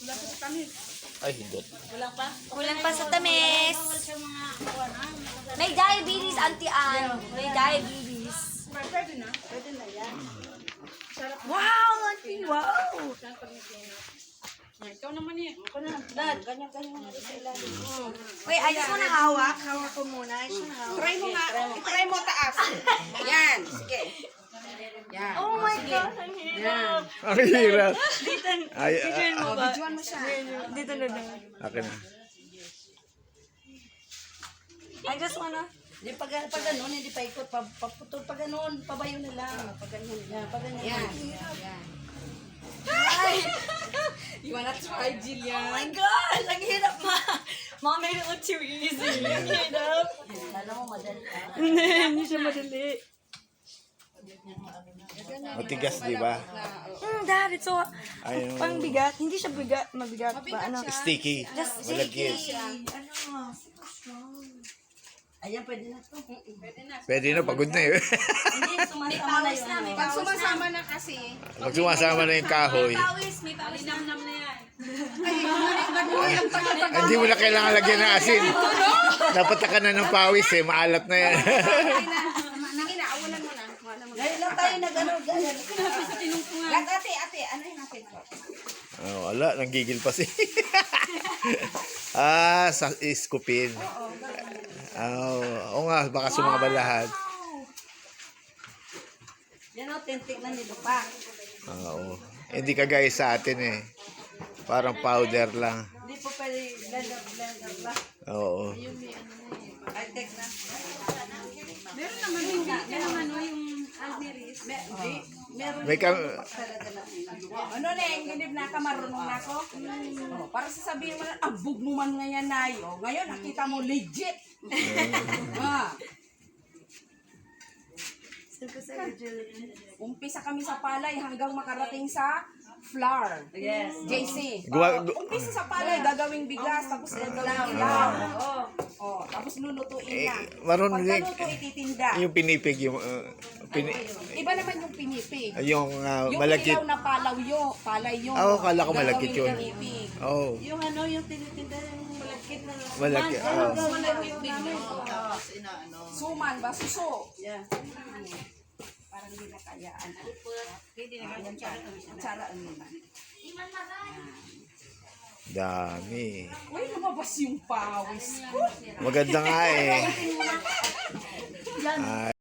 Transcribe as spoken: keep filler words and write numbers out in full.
Wala pa sa tamis. Ay, hindi. Wala pa? Kulang pa sa tamis. May diabetes, Auntie Ann. May diabetes. Pwede na. Pwede na yan. Wow, Auntie, wow. Ikaw naman eh. Ikaw na. Dad, ganyan-ganyan mo sa ilalim. Wait, ayos mo na hawak. Hawak ko muna. Ayos mo na hawak. Try mo nga. Try mo taas. Yan. Sige. Yan. Oh my God, ang hirap. Ang hirap. Dito, Ay, videoin mo ah, ba? Videoan mo siya. Dito na lang. akin na. I just wanna... Hindi, pag, pag ganun, hindi pa ikot. Pa, paputol pa ganun. Pabayo na lang. Pag ganun. Yan. Pag ganun. Yan. Yan. You wanna try, Jillian? Oh my God, ang hirap ma. Mom made it look too easy. Ang hirap. Kala mo madali. Hindi, hindi siya madali. Matigas, di ba? Hmm, Dad, it's so... Ayun. Pang bigat. Hindi siya bigat. Mabigat ba? Ano? Sticky. Just Malagkit. sticky. Ano? Super strong. Ayan, pwede na to. Pwede na. Pwede na, pagod na eh. Hindi, sumasama na yun. Pag sumasama na kasi, Pag sumasama na yung kahoy, Pawis, may pawis. Linamnam na yan. hindi mo na kailangan lagyan ng asin. Napatakan na ng pawis eh, maalat na yan. nangina, awalan mo na. Ngayon lang tayo nag-ano, ganyan. Gat, ate, ate, ano yung natin ko? Oh, wala, nanggigil pa si. ah, sa iskupin. Oh, oo nga, baka sumama lahat. Yan o, tintik na nito pa. Oo. Hindi kagaya sa atin eh. Parang powder lang. Hindi po pwede blender, blender lang. Oo. Ay, tek na. Meron naman yung, meron naman yung almiris. Hindi. Meron May kam... talaga na. Ano na yung hindi na ka marunong na ako? Oh, para sasabihin mo na, ang bug mo man ngayon na yun. Ngayon, nakita mo legit. ah. Umpisa kami sa palay hanggang makarating sa flour. Yes. J C. Gawa- Oh, umpisa sa palay, gagawing bigas, tapos gagawing ilaw. Oh. Oh, tapos lulutuin na. Eh, marunong Pag din- naluto, ititinda. Yung pinipig, yung... uh, pini, Iba naman yung pinipig. yung uh, Yung malagkit. ilaw na palaw yun, palay yun. Ah, akala ko malagkit Gagawin yun. pinipig. Oo. Yung ano, yung tinitinda yung malagkit na. Malagkit. Oo. Malagkit namin. Tapos inaano. Suman ba? Suso. Yeah. Parang hindi na kayaan. Hindi na kayaan. Tsara ano na. Dami. Uy, lumabas yung pawis ko. Maganda nga eh. Ah,